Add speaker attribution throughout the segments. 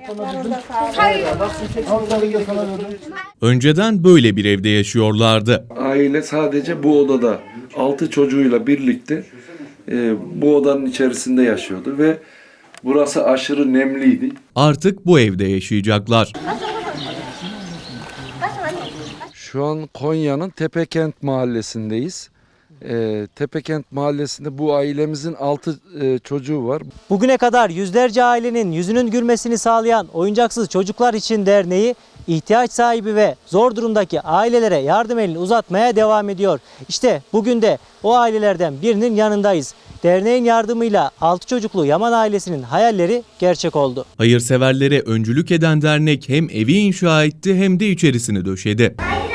Speaker 1: Önceden böyle bir evde yaşıyorlardı.
Speaker 2: Aile sadece bu odada 6 çocuğuyla birlikte bu odanın içerisinde yaşıyordu ve burası aşırı nemliydi.
Speaker 1: Artık bu evde yaşayacaklar.
Speaker 2: Şu an Konya'nın Tepekent mahallesindeyiz. Tepekent mahallesinde bu ailemizin 6 çocuğu var.
Speaker 3: Bugüne kadar yüzlerce ailenin yüzünün gülmesini sağlayan Oyuncaksız Çocuklar İçin Derneği, ihtiyaç sahibi ve zor durumdaki ailelere yardım elini uzatmaya devam ediyor. İşte bugün de o ailelerden birinin yanındayız. Derneğin yardımıyla 6 çocuklu Yaman ailesinin hayalleri gerçek oldu.
Speaker 1: Hayırseverlere öncülük eden dernek hem evi inşa etti hem de içerisini döşedi.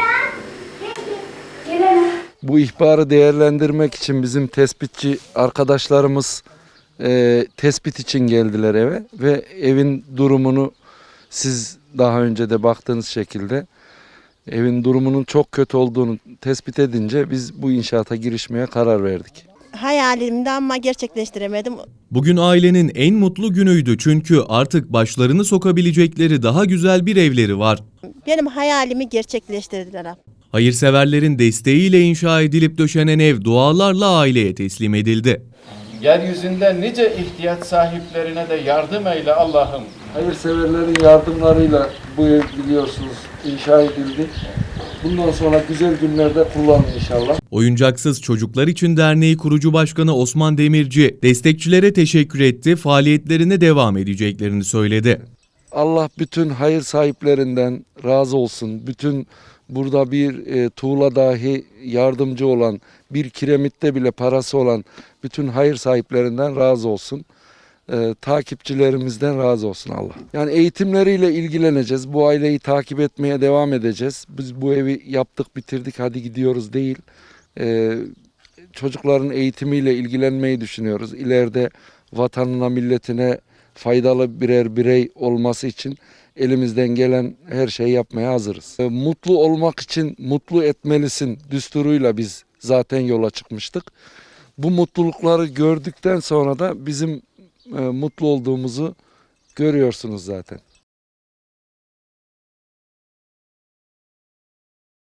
Speaker 2: Bu ihbarı değerlendirmek için bizim tespitçi arkadaşlarımız tespit için geldiler eve ve evin durumunu siz daha önce de baktığınız şekilde evin durumunun çok kötü olduğunu tespit edince biz bu inşaata girişmeye karar verdik.
Speaker 4: Hayalimdi ama gerçekleştiremedim.
Speaker 1: Bugün ailenin en mutlu günüydü çünkü artık başlarını sokabilecekleri daha güzel bir evleri var.
Speaker 4: Benim hayalimi gerçekleştirdiler.
Speaker 1: Hayırseverlerin desteğiyle inşa edilip döşenen ev dualarla aileye teslim edildi.
Speaker 5: Yeryüzünde nice ihtiyaç sahiplerine de yardım eyle Allah'ım.
Speaker 2: Hayırseverlerin yardımlarıyla bu ev biliyorsunuz inşa edildi. Bundan sonra güzel günlerde kullanın inşallah.
Speaker 1: Oyuncaksız Çocuklar İçin Derneği kurucu başkanı Osman Demirci destekçilere teşekkür etti, faaliyetlerine devam edeceklerini söyledi.
Speaker 2: Allah bütün hayır sahiplerinden razı olsun. Bütün burada bir tuğla dahi yardımcı olan, bir kiremitte bile parası olan bütün hayır sahiplerinden razı olsun. Takipçilerimizden razı olsun Allah. Yani eğitimleriyle ilgileneceğiz. Bu aileyi takip etmeye devam edeceğiz. Biz bu evi yaptık, bitirdik, hadi gidiyoruz değil. Çocukların eğitimiyle ilgilenmeyi düşünüyoruz. İleride vatanına, milletine faydalı birer birey olması için elimizden gelen her şeyi yapmaya hazırız. Mutlu olmak için mutlu etmelisin düsturuyla biz zaten yola çıkmıştık. Bu mutlulukları gördükten sonra da bizim mutlu olduğumuzu görüyorsunuz zaten.